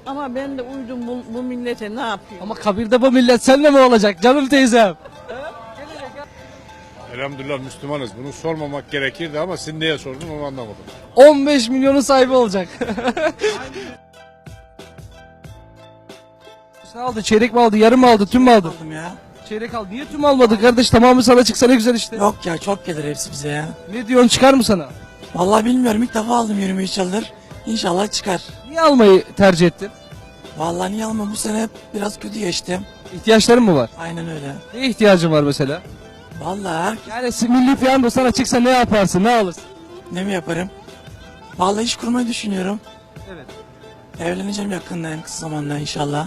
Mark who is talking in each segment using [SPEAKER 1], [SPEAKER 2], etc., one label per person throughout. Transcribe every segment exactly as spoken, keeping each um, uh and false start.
[SPEAKER 1] Ama ben de uydum bu, bu millete, ne yapayım?
[SPEAKER 2] Ama kabirde bu millet seninle mi olacak canım teyzem?
[SPEAKER 3] Elhamdülillah Müslümanız. Bunu sormamak gerekirdi ama siz niye sordun onu anlamadım.
[SPEAKER 2] on beş milyonun sahibi olacak. Ne aldı? Çeyrek mi aldı? Yarım mı aldı? Tüm mü aldı?
[SPEAKER 4] Aldım ya.
[SPEAKER 2] Çeyrek aldı. Niye tüm almadı kardeş? Tamamı sana çıksa ne güzel işte.
[SPEAKER 4] Yok ya, çok gelir hepsi bize ya.
[SPEAKER 2] Ne diyorsun, çıkar mı sana?
[SPEAKER 4] Vallahi bilmiyorum, ilk defa aldım yirmi üç yıldır. İnşallah çıkar.
[SPEAKER 2] Niye almayı tercih ettin?
[SPEAKER 4] Vallahi niye almam, bu sene biraz kötü geçtim.
[SPEAKER 2] İhtiyaçların mı var?
[SPEAKER 4] Aynen öyle.
[SPEAKER 2] Ne ihtiyacın var mesela?
[SPEAKER 4] Vallahi her-
[SPEAKER 2] Yani milli piyango sana çıksa ne yaparsın? Ne alırsın?
[SPEAKER 4] ne mi yaparım? Vallahi iş kurmayı düşünüyorum.
[SPEAKER 2] Evet.
[SPEAKER 4] Evleneceğim yakında, en kısa zamanda inşallah.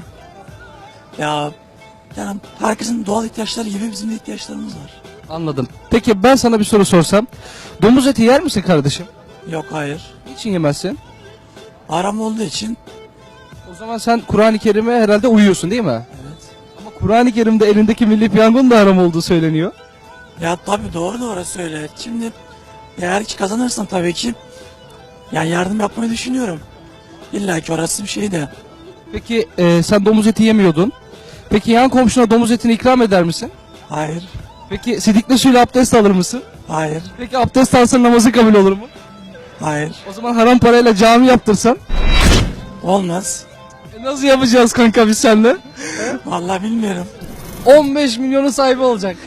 [SPEAKER 4] Ya yani herkesin doğal ihtiyaçları gibi bizim de ihtiyaçlarımız var.
[SPEAKER 2] Anladım. Peki ben sana bir soru sorsam. Domuz eti yer misin kardeşim?
[SPEAKER 4] Yok, hayır.
[SPEAKER 2] Niçin yemezsin?
[SPEAKER 4] Haram olduğu için.
[SPEAKER 2] O zaman sen Kur'an-ı Kerim'e herhalde uyuyorsun değil mi?
[SPEAKER 4] Evet.
[SPEAKER 2] Ama Kur'an-ı Kerim'de elindeki milli piyangonun da haram olduğu söyleniyor.
[SPEAKER 4] Ya tabii, doğru doğru söyle. Şimdi eğer ki kazanırsam tabii ki yani yardım yapmayı düşünüyorum. İlla ki orası bir şey de.
[SPEAKER 2] Peki e, sen domuz eti yemiyordun. Peki yan komşuna domuz etini ikram eder misin?
[SPEAKER 4] Hayır.
[SPEAKER 2] Peki sidikli suyla abdest alır mısın?
[SPEAKER 4] Hayır.
[SPEAKER 2] Peki abdest alsan namazı kabul olur mu?
[SPEAKER 4] Hayır.
[SPEAKER 2] O zaman haram parayla cami yaptırsan?
[SPEAKER 4] Olmaz.
[SPEAKER 2] E nasıl yapacağız kanka biz seninle?
[SPEAKER 4] Vallahi bilmiyorum.
[SPEAKER 2] on beş milyonun sahibi olacak.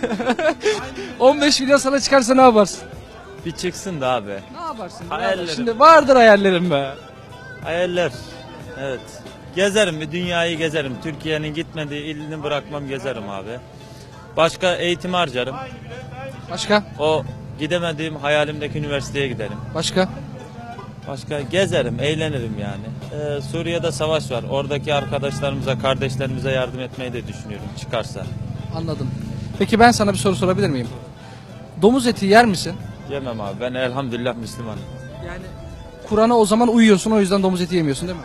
[SPEAKER 2] on beş milyon sana çıkarsa ne yaparsın?
[SPEAKER 5] Bir çıksın da abi.
[SPEAKER 2] Ne yaparsın?
[SPEAKER 5] Hayallerim.
[SPEAKER 2] Şimdi vardır hayallerim be.
[SPEAKER 5] Hayaller. Evet. Gezerim, bir dünyayı gezerim. Türkiye'nin gitmediği ilini bırakmam, gezerim abi. Başka eğitim harcarım.
[SPEAKER 2] Başka?
[SPEAKER 5] O gidemediğim hayalimdeki üniversiteye giderim.
[SPEAKER 2] Başka?
[SPEAKER 5] Başka gezerim, eğlenirim yani. Ee, Suriye'de savaş var. Oradaki arkadaşlarımıza, kardeşlerimize yardım etmeyi de düşünüyorum çıkarsa.
[SPEAKER 2] Anladım. Peki ben sana bir soru sorabilir miyim? Domuz eti yer misin?
[SPEAKER 5] Yemem abi. Ben elhamdülillah Müslümanım.
[SPEAKER 2] Yani Kur'an'a o zaman uyuyorsun, o yüzden domuz eti yemiyorsun değil mi?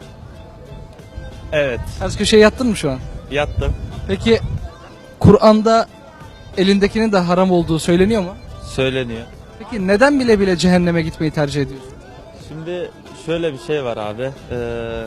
[SPEAKER 5] Evet.
[SPEAKER 2] Ters köşeye yattın mı şu an?
[SPEAKER 5] Yattım.
[SPEAKER 2] Peki Kur'an'da elindekinin de haram olduğu söyleniyor mu?
[SPEAKER 5] Söyleniyor.
[SPEAKER 2] Peki neden bile bile cehenneme gitmeyi tercih ediyorsun?
[SPEAKER 5] Şimdi şöyle bir şey var abi. Ee,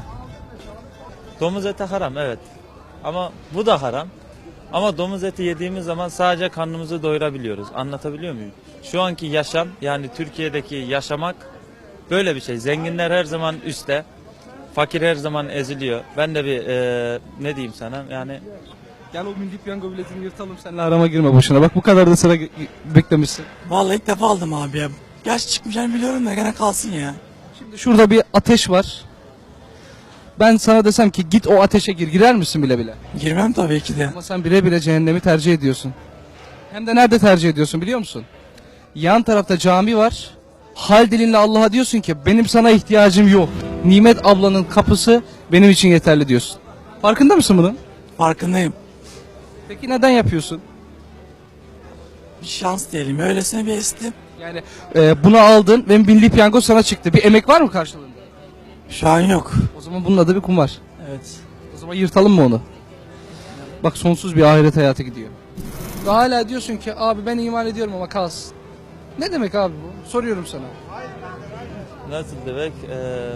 [SPEAKER 5] domuz eti haram, evet. Ama bu da haram. Ama domuz eti yediğimiz zaman sadece karnımızı doyurabiliyoruz. Anlatabiliyor muyum? Şu anki yaşam, yani Türkiye'deki yaşamak böyle bir şey. Zenginler her zaman üstte. Fakir her zaman eziliyor. Ben de bir ee, ne diyeyim sana, yani
[SPEAKER 2] Gel o milli piyango biletini yırtalım, seninle arama girme boşuna. Bak bu kadar da sıra ge- beklemişsin.
[SPEAKER 4] Vallahi ilk defa aldım abi ya. Gerçi çıkmayacağını biliyorum da gene kalsın ya.
[SPEAKER 2] Şimdi şurada bir ateş var. Ben sana desem ki git o ateşe gir, girer misin bile bile?
[SPEAKER 4] Girmem tabii ki de.
[SPEAKER 2] Ama sen bile bile cehennemi tercih ediyorsun. Hem de nerede tercih ediyorsun biliyor musun? Yan tarafta cami var. Hal dilinle Allah'a diyorsun ki benim sana ihtiyacım yok. Nimet ablanın kapısı benim için yeterli diyorsun. Farkında mısın bunun?
[SPEAKER 4] Farkındayım.
[SPEAKER 2] Peki neden yapıyorsun?
[SPEAKER 4] Bir şans diyelim. Öylesine bir estim.
[SPEAKER 2] Yani e, bunu aldın ve milli piyango sana çıktı. Bir emek var mı karşılığında?
[SPEAKER 4] Şu an yok.
[SPEAKER 2] O zaman bunun adı bir kumar.
[SPEAKER 4] Evet.
[SPEAKER 2] O zaman yırtalım mı onu? Bak sonsuz bir ahiret hayatı gidiyor. Ve hala diyorsun ki abi ben iman ediyorum ama kalsın. Ne demek abi bu? Soruyorum sana.
[SPEAKER 5] nasıl demek? Ee,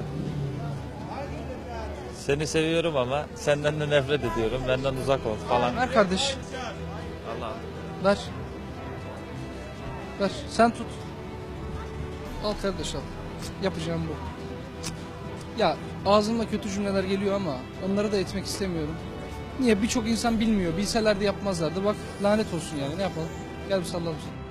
[SPEAKER 5] seni seviyorum ama senden de nefret ediyorum. Benden uzak ol falan.
[SPEAKER 2] Ver kardeş.
[SPEAKER 5] Allah'ım.
[SPEAKER 2] Ver. Ver. Sen tut. Al kardeş al. Yapacağım bu. Ya ağzımda kötü cümleler geliyor ama onları da etmek istemiyorum. Niye? Birçok insan bilmiyor. Bilseler de yapmazlardı. Bak lanet olsun yani. Ne yapalım? Gel bir sallalım seni.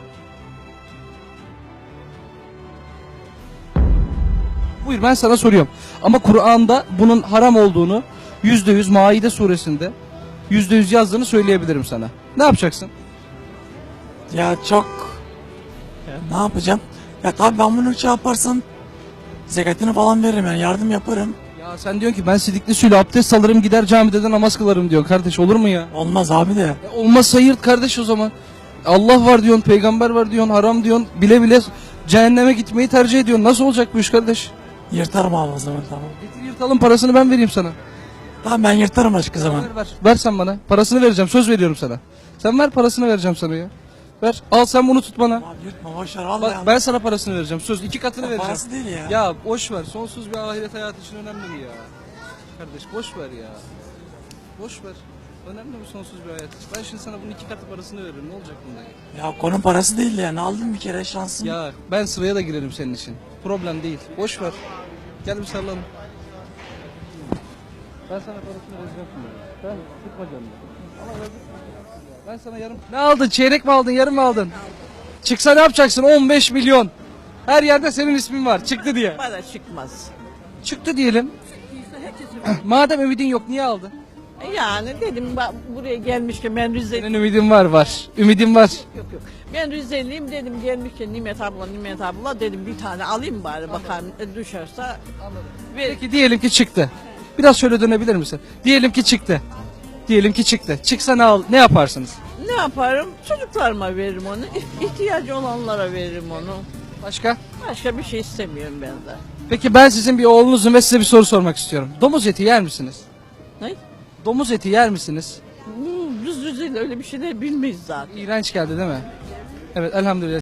[SPEAKER 2] Buyur ben sana soruyorum. Ama Kur'an'da bunun haram olduğunu yüzde yüz Maide suresinde yüzde yüz yazdığını söyleyebilirim sana. Ne yapacaksın?
[SPEAKER 4] Ya çok... Ya ne yapacağım? Ya tabii ben bunu şey yaparsam zekatını falan veririm yani, yardım yaparım.
[SPEAKER 2] Ya sen diyorsun ki ben sidikli suyla abdest alırım gider camide de namaz kılarım diyorsun. Kardeş olur mu ya?
[SPEAKER 4] Olmaz abi de.
[SPEAKER 2] E olmazsa yırt kardeş o zaman. Allah var diyorsun, peygamber var diyorsun, haram diyorsun. Bile bile cehenneme gitmeyi tercih ediyorsun. Nasıl olacak bu iş kardeş?
[SPEAKER 4] Yırtarım abi o zaman, tamam.
[SPEAKER 2] Getir yırtalım, parasını ben vereyim sana.
[SPEAKER 4] Tamam, ben yırtarım başka zaman.
[SPEAKER 2] Ver ver. Ver sen bana. Parasını vereceğim. Söz veriyorum sana. Sen ver, parasını vereceğim sana ya. Ver. Al sen bunu tut bana.
[SPEAKER 4] Abi yırtma, boşver vallahi.
[SPEAKER 2] Bak ben sana parasını vereceğim. Söz iki katını
[SPEAKER 4] Ya
[SPEAKER 2] vereceğim.
[SPEAKER 4] parası değil ya.
[SPEAKER 2] Ya boş ver. Sonsuz bir ahiret hayatı için önemli mi ya? Kardeş boş ver ya. Boş ver. Önemli mi sonsuz bir hayat? Ben şimdi sana bunun iki katı parasını veririm. Ne olacak bunda?
[SPEAKER 4] Ya konu parası değil yani. Aldım bir kere şansım.
[SPEAKER 2] Ya ben sıraya da girerim senin için. Problem değil. Boş ver. Gel bir sarılalım. Ben sana parasını vereceğim şimdi. Ben sıkma canını. Ama verdim. Ben sana yarım... Ne aldın? Çeyrek mi aldın? Yarım mı aldın? Çıksa ne yapacaksın? on beş milyon. Her yerde senin ismin var. Çıktı diye.
[SPEAKER 1] Bana çıkmaz.
[SPEAKER 2] Çıktı diyelim. Madem ümidin yok niye aldın?
[SPEAKER 1] Yani dedim bak buraya gelmişken ben Rizeliyim.
[SPEAKER 2] Senin ümidin var var. Ümidin var.
[SPEAKER 1] Yok yok. Ben Rizeliyim dedim gelmişken Nimet abla Nimet abla dedim bir tane alayım bari bakalım e, düşerse. Ver.
[SPEAKER 2] Peki diyelim ki çıktı. Biraz şöyle dönebilir misin? Diyelim ki çıktı. Diyelim ki çıktı. Çıksa ne al ne yaparsınız?
[SPEAKER 1] Ne yaparım? Çocuklarıma veririm onu. İh- İhtiyacı olanlara veririm onu.
[SPEAKER 2] Başka?
[SPEAKER 1] Başka bir şey istemiyorum ben de.
[SPEAKER 2] Peki ben sizin bir oğlunuzum ve size bir soru sormak istiyorum. Domuz eti yer misiniz?
[SPEAKER 1] Ne?
[SPEAKER 2] Domuz eti yer misiniz?
[SPEAKER 1] Bu Biz Rize'de öyle bir şey de bilmeyiz zaten.
[SPEAKER 2] İğrenç geldi değil mi? Evet elhamdülillah.